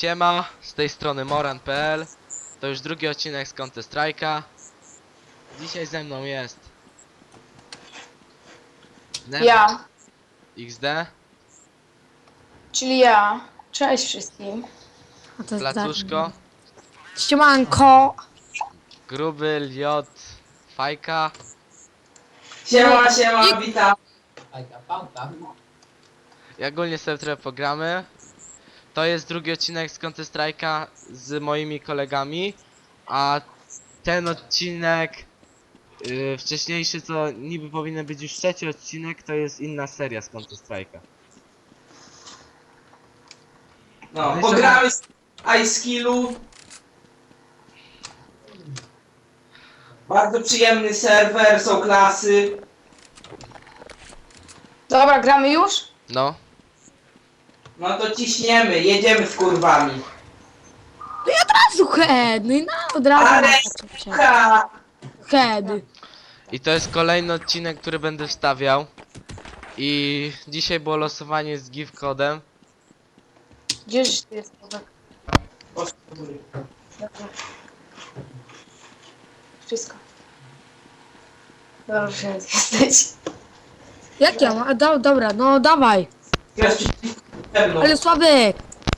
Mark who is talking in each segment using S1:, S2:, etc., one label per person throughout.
S1: Siema, z tej strony Moran.pl. To już drugi odcinek z Counter Strike'a. Dzisiaj ze mną jest Never
S2: Ja,
S1: XD,
S2: czyli ja. Cześć wszystkim.
S3: A to jest
S1: Placuszko,
S3: Ściemanko!
S1: Gruby, Liot, Fajka.
S4: Siema, siema, witam.
S1: I ogólnie sobie trochę pogramy. To jest drugi odcinek z Counter Strike'a z moimi kolegami. A ten odcinek wcześniejszy, co niby powinien być już trzeci odcinek, to jest inna seria z Counter Strike'a.
S4: No, pogramy z iSkillu. Bardzo przyjemny serwer, są klasy.
S2: Dobra, gramy już?
S1: No,
S4: No to ciśniemy, jedziemy z kurwami.
S3: Razu head! No i od razu
S4: Ale
S3: na
S4: ha!
S3: head.
S1: i to jest kolejny odcinek, który będę wstawiał. I dzisiaj było losowanie z gift kodem.
S2: Gdzież ty jest? Wszystko. Dobrze, że jesteś.
S3: Jak ja mam? Dobra, no dawaj.
S4: Teraz ze mną.
S3: Ale Sławek!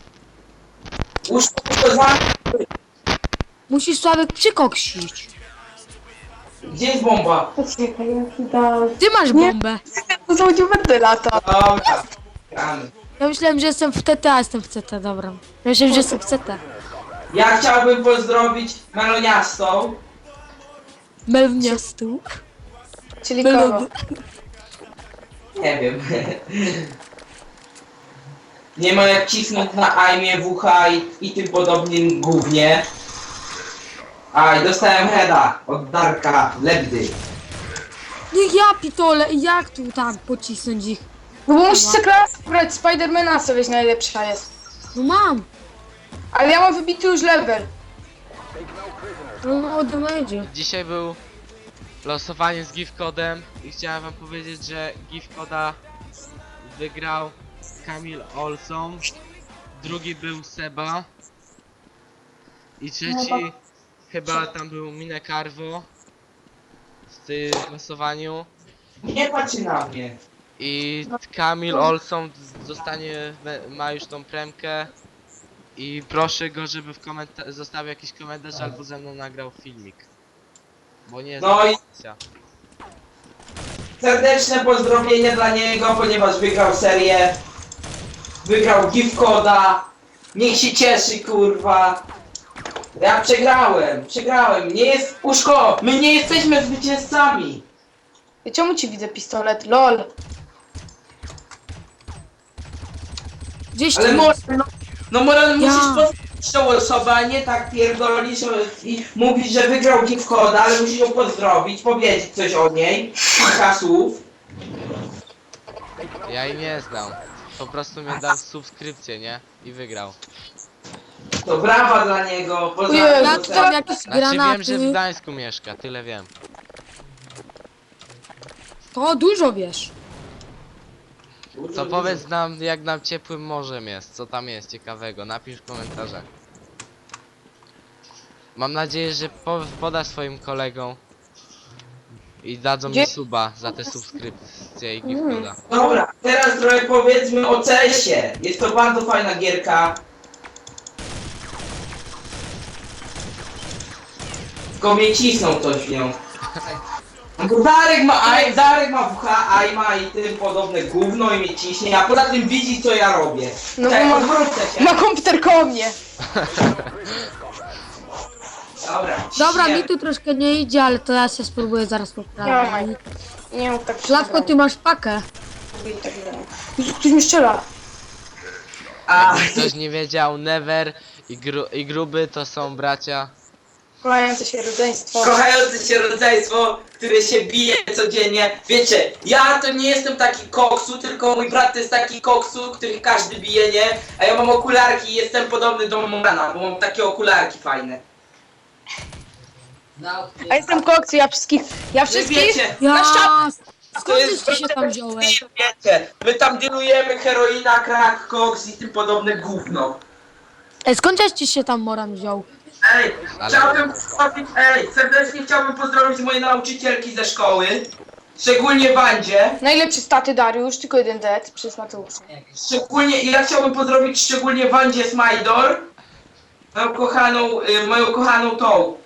S4: Łóżko za...
S3: Musisz Sławek przykoksić.
S4: Gdzie jest bomba?
S2: Poczekaj, jaki dał.
S3: Ty masz bombę.
S2: To są będę lata.
S4: Dobra, gramy.
S3: Ja myślałem, że jestem w TT, a jestem w CT, dobra. Ja myślałem, że jestem w CT.
S4: Ja chciałbym pozdrowić Meloniastą.
S3: Melwniastu.
S2: Czyli kogo?
S4: Nie wiem. Nie ma jak cisnąć na aimie, WH i tym podobnym gównie. A, i dostałem heada od Darka Lebdy.
S3: Niech ja pitole, jak tu tak pocisnąć ich?
S2: No bo musisz klasę brać, Spidermana sobie najlepsza jest.
S3: No mam.
S2: Ale ja mam wybity już level.
S3: No ode mnie idzie.
S1: Dzisiaj był losowanie z gift kodem i chciałem wam powiedzieć, że gift koda wygrał Kamil Olson, drugi był Seba i trzeci chyba tam był Mine Carvo w tym losowaniu.
S4: Nie patrzy na mnie.
S1: I Kamil Olson ma już tą premkę i proszę go, żeby w zostawił jakiś komentarz albo ze mną nagrał filmik. Bo nie jest
S4: No i
S1: opcja.
S4: serdeczne pozdrowienia dla niego, ponieważ wygrał serię. Wygrał gift koda. Niech się cieszy, kurwa. Ja przegrałem. Nie jest... Uszko, my nie jesteśmy zwycięzcami.
S2: I czemu ci widzę pistolet? LOL.
S3: Gdzieś
S4: Ale
S3: tu.
S4: Moran,
S3: Ja.
S4: musisz pozdrowić tą osobę, a nie tak pierdolisz i mówić, że wygrał gift koda, ale musisz ją pozdrowić, powiedzieć coś o niej. Kilka słów.
S1: Ja jej nie znam. Po prostu mnie dał subskrypcję, nie? I wygrał.
S4: To brawa dla niego.
S2: Ojej,
S4: Pozdrawiam
S3: Ja
S4: go
S3: tu tam jakieś
S1: Znaczy wiem, że w
S3: granaty.
S1: Gdańsku mieszka, tyle wiem.
S3: To dużo wiesz.
S1: To powiedz nam, jak nam ciepłym morzem jest, co tam jest ciekawego, napisz w komentarzach. Mam nadzieję, że podasz swoim kolegom i dadzą mi
S2: Gdzie-
S1: suba za te subskrypcje i gift koda.
S4: Dobra, teraz trochę powiedzmy o CS-ie. Jest to bardzo fajna gierka. Tylko mnie cisną coś w nią. Bo Darek ma WH, aima i tym podobne gówno i mnie ciśnie, a poza tym widzi co ja robię.
S2: No
S4: Czekaj,
S2: bo
S4: odwrócę się.
S2: ma komputer koło mnie.
S3: Dobra,
S4: ciśnie.
S3: mi tu troszkę nie idzie, ale to ja się spróbuję zaraz
S2: Ja
S3: poprawić.
S2: Nie mów tak.
S3: Szlawko, ty masz pakę.
S2: Ktoś mi strzela.
S4: A,
S1: Jakby ktoś nie wiedział, Never i Gruby to są bracia.
S2: Kochające się rodzeństwo.
S4: kochające się rodzeństwo, które się bije codziennie. Wiecie, ja to nie jestem taki koksu, tylko mój brat to jest taki koksu, których każdy bije, nie? A ja mam okularki i jestem podobny do Morana, bo mam takie okularki fajne.
S2: A jestem koksu, ja wszystkich
S4: Wiecie,
S3: Ja...
S2: Na
S3: Skąd ty się tam wziąłeś?
S4: Wiecie, my tam dealujemy heroina, crack, koks i tym podobne gówno.
S3: Ej, skąd ci się tam Moran wziął?
S4: Ej, serdecznie chciałbym pozdrowić moje nauczycielki ze szkoły. Szczególnie Wandzie.
S2: Najlepsze staty Dariusz, tylko jeden dead przez Mateusza.
S4: Ja chciałbym pozdrowić szczególnie Wandzie Smajdor. Moją kochaną tą.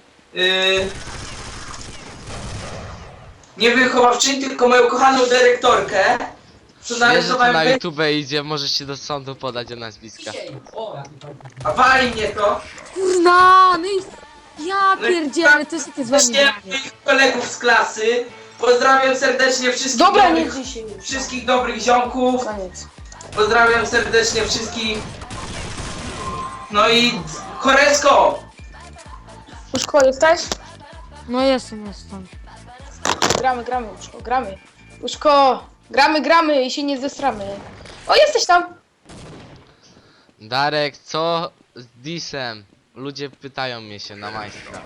S4: Nie wychowawczyni, tylko moją kochaną dyrektorkę. Co
S1: Wiesz, że to
S4: narysowałem
S1: na YouTube idzie, możesz się do sądu podać o nazwiska.
S4: A wali mnie to.
S3: Kurna, no i... Ja
S4: No i
S3: pierdzielę, to jest takie z wami
S4: Właśnie
S3: granie.
S4: moich kolegów z klasy. Pozdrawiam serdecznie wszystkich
S2: Dobra, nie
S4: dobrych,
S2: dzisiaj już.
S4: wszystkich dobrych ziomków.
S2: Koniec.
S4: Pozdrawiam serdecznie wszystkich. No i Koresko!
S2: Uszko, jesteś?
S3: No jestem.
S2: Gramy, Uszko, gramy. Uszko, gramy i się nie zestramy. O, jesteś tam!
S1: Darek, co z Disem? Ludzie pytają mnie się na majstra.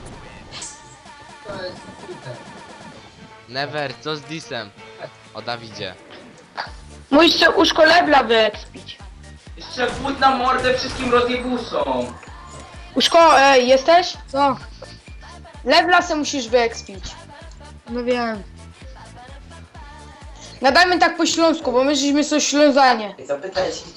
S1: Never, co z Disem? O Dawidzie.
S2: Musisz się Uszko lebla wyekspić.
S4: Jeszcze wód na mordę wszystkim rozjebusom.
S2: Uszko, jesteś?
S3: Co?
S2: Lebla se musisz wyekspić.
S3: No wiem.
S2: Nadajmy tak po śląsku, bo my żeśmy są ślązanie.
S4: Zapytaj się.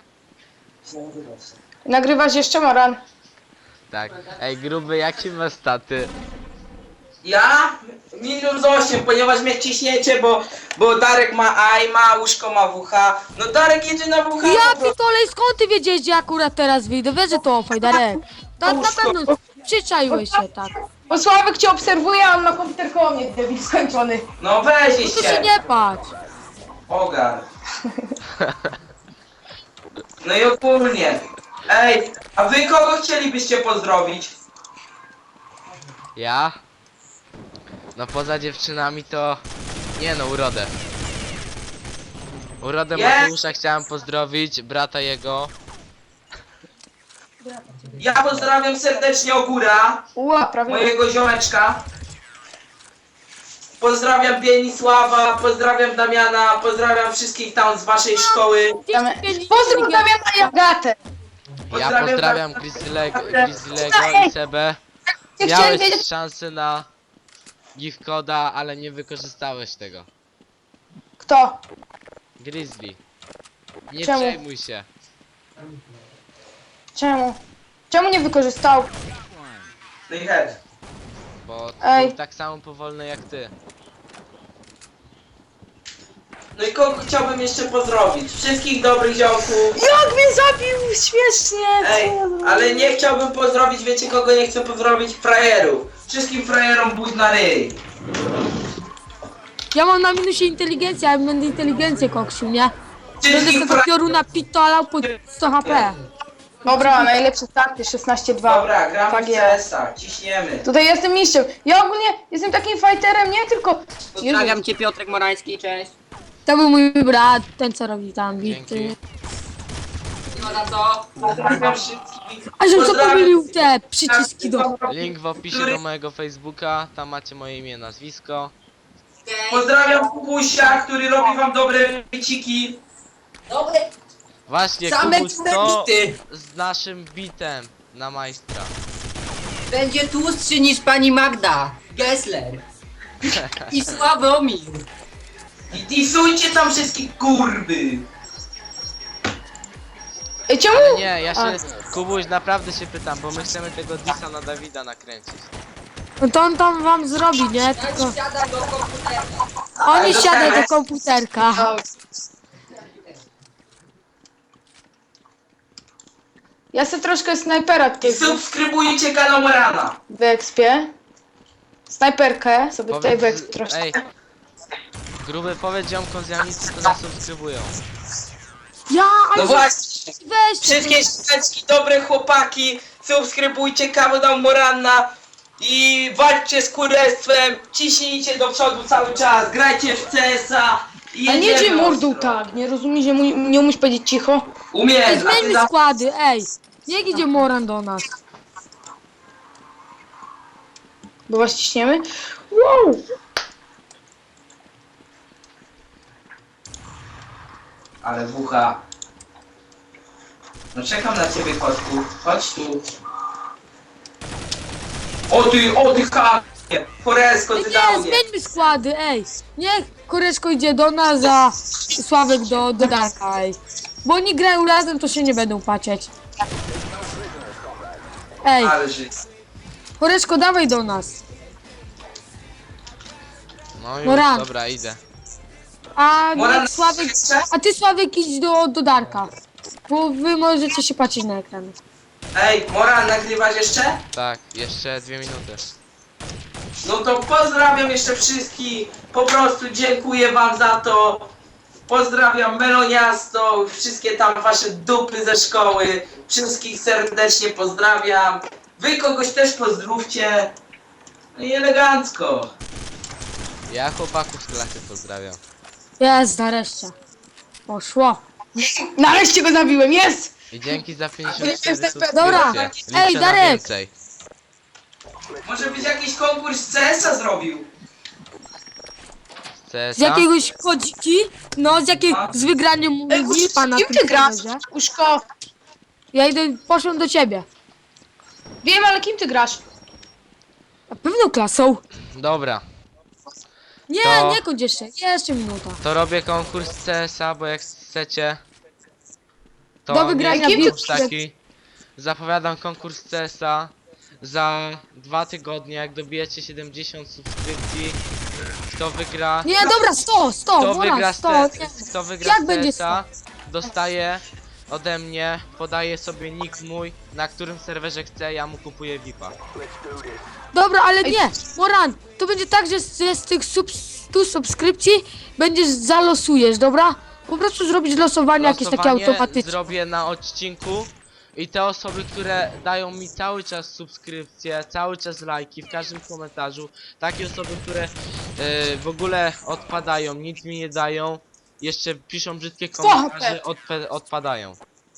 S2: Nagrywasz jeszcze, Moran?
S1: Tak. Ej, gruby, jakie masz staty?
S4: Ja? -8, ponieważ mnie ciśniecie, bo Darek ma aima, Łóżko ma WH. No Darek jedzie na WH.
S3: Ja pitole, skąd ty wiedziałeś, gdzie akurat teraz wyjdę? Wiesz, że to Fajdarek. To na pewno przyczaiłeś się, tak.
S2: Bo Sławek cię obserwuje, a on ma komputer koło mnie, debil skończony.
S4: No weź
S3: No to się
S4: się.
S3: nie patrz.
S4: Ogar. No i ogólnie. Ej, a wy kogo chcielibyście pozdrowić?
S1: Ja? No poza dziewczynami to... Nie no, Urodę. Urodę
S4: Jest!
S1: Mateusza chciałem pozdrowić, brata jego.
S4: Ja pozdrawiam serdecznie Ogóra,
S2: Ła, prawie.
S4: mojego ziomeczka. Pozdrawiam Bienisława, pozdrawiam Damiana, pozdrawiam wszystkich tam z waszej szkoły.
S2: Pozdrów Damiana i Agatę.
S1: Ja pozdrawiam Grizzlego i Sebę.
S2: Ja chciałem
S1: Miałeś
S2: wiedzieć,
S1: szansę na gift coda, ale nie wykorzystałeś tego.
S2: kto?
S1: Grizzly. Nie
S2: Czemu?
S1: przejmuj się.
S2: Czemu? Czemu nie wykorzystał?
S4: No i head.
S1: Bo
S2: Ej.
S1: był tak samo powolny jak ty.
S4: No i kogo chciałbym jeszcze pozdrowić? Wszystkich dobrych ziomków.
S2: Jak mnie zabił! Śmiesznie!
S4: Ej, ale nie chciałbym pozdrowić, wiecie kogo nie chcę pozdrowić? Frajerów. Wszystkim frajerom buź na ryj.
S3: Ja mam na minusie inteligencję, a ja będę inteligencję koksił, nie? Będę
S4: Wszystkich
S3: tego pioruna pitolał po 100 HP.
S2: Dobra, najlepsze starty, 16-2.
S4: Dobra, gramy
S2: Tak
S4: w
S2: jest.
S4: CS-a, ciśniemy.
S2: Tutaj jestem mistrzem. Ja ogólnie jestem takim fighterem, nie tylko...
S5: Pozdrawiam cię, Piotrek Morański, cześć.
S3: To był mój brat, ten co robi tam bity.
S1: Dzięki.
S5: No na co?
S4: Pozdrawiam wszystkich.
S3: A żebym co
S4: Pozdrawiam-
S3: pomylił te przyciski do...
S1: Link w opisie do mojego Facebooka, tam macie moje imię, nazwisko.
S4: Pozdrawiam Kubusia, który robi wam dobre wyciki.
S5: Dobry.
S1: Właśnie,
S5: Same
S1: Kubuś,
S5: cudne
S1: co
S5: bity.
S1: z naszym bitem na majstra?
S5: Będzie tłustszy niż pani Magda Gessler. I Sławomir.
S4: I disujcie tam wszystkich kurwy.
S2: Ej, czemu?
S1: Ale nie, ja się...
S2: A.
S1: Kubuś, naprawdę się pytam, bo my chcemy tego disa na Dawida nakręcić.
S3: No to on tam wam zrobi, nie? Tylko
S5: Siada do komputera.
S3: oni siadają do komputerka.
S2: Ja sobie troszkę snajpera tutaj
S4: I subskrybujcie kanał Morana.
S2: wyekspię. Snajperkę sobie tutaj wyekspię troszkę.
S1: Ej, gruby, powiedz ziomkom z Janicy, to nas subskrybują.
S3: Ja,
S4: No
S3: ale
S4: właśnie.
S3: weźcie.
S4: Wszystkie szczęczki, dobre chłopaki, subskrybujcie kanał Morana i walczcie z kurestwem, ciśnijcie do przodu cały czas, grajcie w CS-a i
S2: A nie
S4: jedziemy
S2: gdzie mordą
S4: ostro.
S2: tak, nie rozumiesz, że nie umiesz powiedzieć cicho?
S3: Ej,
S4: Umiem, a ty
S3: zmieńmy
S4: za...
S3: składy, ej. Niech idzie Moran do nas.
S2: Bo was ciśniemy? Wow!
S4: Ale wucha. No czekam na ciebie, kotku. Chodź tu. O ty kapie! Foresko, ty dał
S3: Nie,
S4: mnie.
S3: zmieńmy składy, ej. Niech Koreczko idzie do nas, a Sławek do Darka, ej. Bo oni grają razem, to się nie będą patrzeć. Ej,
S4: Ale żyć.
S3: Koreczko, dawaj do nas.
S1: No już,
S3: Moran.
S1: dobra, idę.
S3: A
S4: Moran,
S3: niech Sławek...
S4: jeszcze?
S3: A ty, Sławek, idź do Darka. Bo wy możecie się patrzeć na ekran.
S4: Ej, Moran, nagrywasz jeszcze?
S1: Tak, jeszcze 2 minuty.
S4: No to pozdrawiam jeszcze wszystkich. Po prostu dziękuję wam za to. Pozdrawiam Meloniasto, wszystkie tam wasze dupy ze szkoły. Wszystkich serdecznie pozdrawiam. Wy kogoś też pozdrówcie. No i elegancko.
S1: Ja chłopaków z klasy pozdrawiam.
S3: Jest, nareszcie. Poszło.
S2: Nareszcie go zabiłem, jest!
S1: I dzięki za 54
S2: Dobra.
S1: subskrypcje. Liczę
S3: Ej,
S1: na
S3: Darek.
S1: więcej.
S4: Może być jakiś konkurs CS-a zrobił.
S1: CS-a?
S3: Z jakiegoś kodziki? No, z wygraniem
S2: Ej,
S3: VIPa na
S2: kim
S3: tym
S2: ty grasz?
S3: serwerze.
S2: Uszko,
S3: Ja poszłem do ciebie.
S2: wiem, ale kim ty grasz?
S3: Na pewno klasą.
S1: Dobra,
S3: Nie,
S1: To-
S3: nie kończ jeszcze. Jeszcze minuta.
S1: to robię konkurs CS-a, bo jak chcecie... To
S3: Do wygrania
S1: nie
S2: VIP.
S1: jest taki. Zapowiadam konkurs CS-a. Za 2 tygodnie, jak dobijecie 70 subskrypcji, kto wygra...
S3: Nie, dobra, 100,
S1: Kto wygra,
S3: Moran, 100. Nie.
S1: kto wygra
S3: Jak będzie
S1: CS-a, dostaje ode mnie, podaje sobie nick mój, na którym serwerze chce, ja mu kupuję VIP-a.
S3: Dobra, ale nie, Moran, to będzie tak, że z tych 100 subskrypcji zalosujesz, dobra? Po prostu zrobić losowanie jakieś takie
S1: Losowanie
S3: automatyczne.
S1: zrobię na odcinku i te osoby, które dają mi cały czas subskrypcje, cały czas lajki w każdym komentarzu, takie osoby, które w ogóle odpadają, nic mi nie dają, jeszcze piszą brzydkie komentarze, odpadają.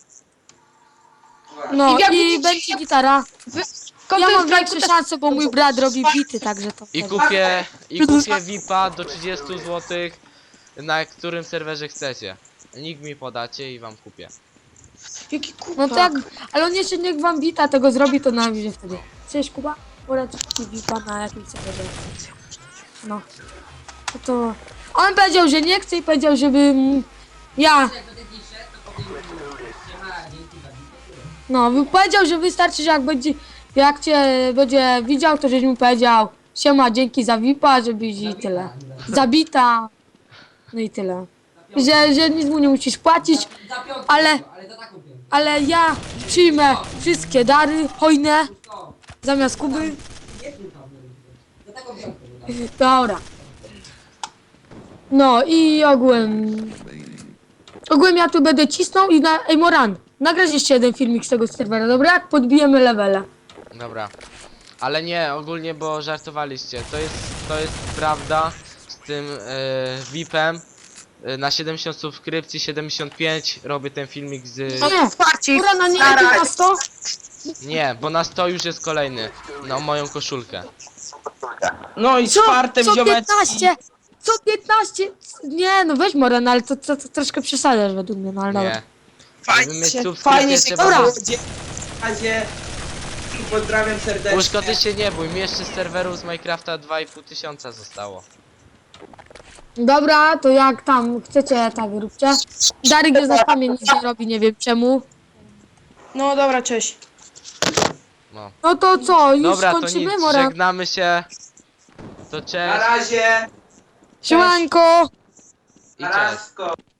S3: No
S2: I jak
S3: i
S2: widzicie-
S3: będzie gitara. Ja mam większe szanse, bo mój brat robi bity, także to
S1: I
S3: wtedy.
S1: kupię VIP-a do 30 zł, na którym serwerze chcecie. Nick mi podacie i wam kupię.
S2: Jaki kupak.
S3: No tak, ale on jeszcze niech wam bita tego zrobi, to nam idzie wtedy. Cześć Kuba, Moran ci bita na jakimś serwerze. No. To on powiedział, że nie chce i powiedział, żebym ja.
S5: Jak będę dziś szedł, to powiem, siema, dzięki za wizytę.
S3: No, powiedział, że wystarczy, że jak cię będzie widział, to żeś mu powiedział siema, dzięki za VIP-a, żebyś i tyle. Zabita. No i tyle. Że nic mu nie musisz płacić,
S5: Za piątkę,
S3: Ale-
S5: ale za taką piątkę.
S3: ale ja przyjmę wszystkie dary hojne
S5: To,
S3: zamiast Kuby.
S5: nie tu tam, za taką piątkę.
S3: Dobra. No i ogółem ja tu będę cisnął i ej Moran, nagrać jeszcze jeden filmik z tego serwera, dobra? Jak podbijemy levele.
S1: Dobra. Ale nie, ogólnie, bo żartowaliście. To jest prawda z tym VIP-em. Na 70 subskrypcji, 75 robię ten filmik z...
S3: Nie,
S2: Wsparcie.
S3: Morana nie
S2: Staraj.
S3: lepiej na 100?
S1: Nie, bo na 100 już jest kolejny. Na moją koszulkę.
S4: No i czwartym
S3: Co 15? Co 15? Nie, no weź Moran, ale to troszkę przesadzasz według mnie, no ale dobra.
S1: Nie. Żeby mieć
S2: Fajnie,
S1: subskrypcję
S2: fajnie się
S1: trzeba...
S3: Dobra.
S4: W razie pozdrawiam serdecznie.
S1: Łóżko, ty się nie bój, mi jeszcze z serwerów z Minecrafta 2500 zostało.
S3: Dobra, to jak tam chcecie, tak róbcie. Darek jest na spamie, nic nie robi, nie wiem czemu.
S2: No dobra, cześć.
S1: No.
S3: No to co, już
S1: Dobra, to
S3: kończymy,
S1: nic,
S3: Moran?
S1: żegnamy się. To
S4: Na
S1: cześć
S4: razie.
S3: Siemanko!
S1: i
S4: Na
S1: cześć.
S4: razie.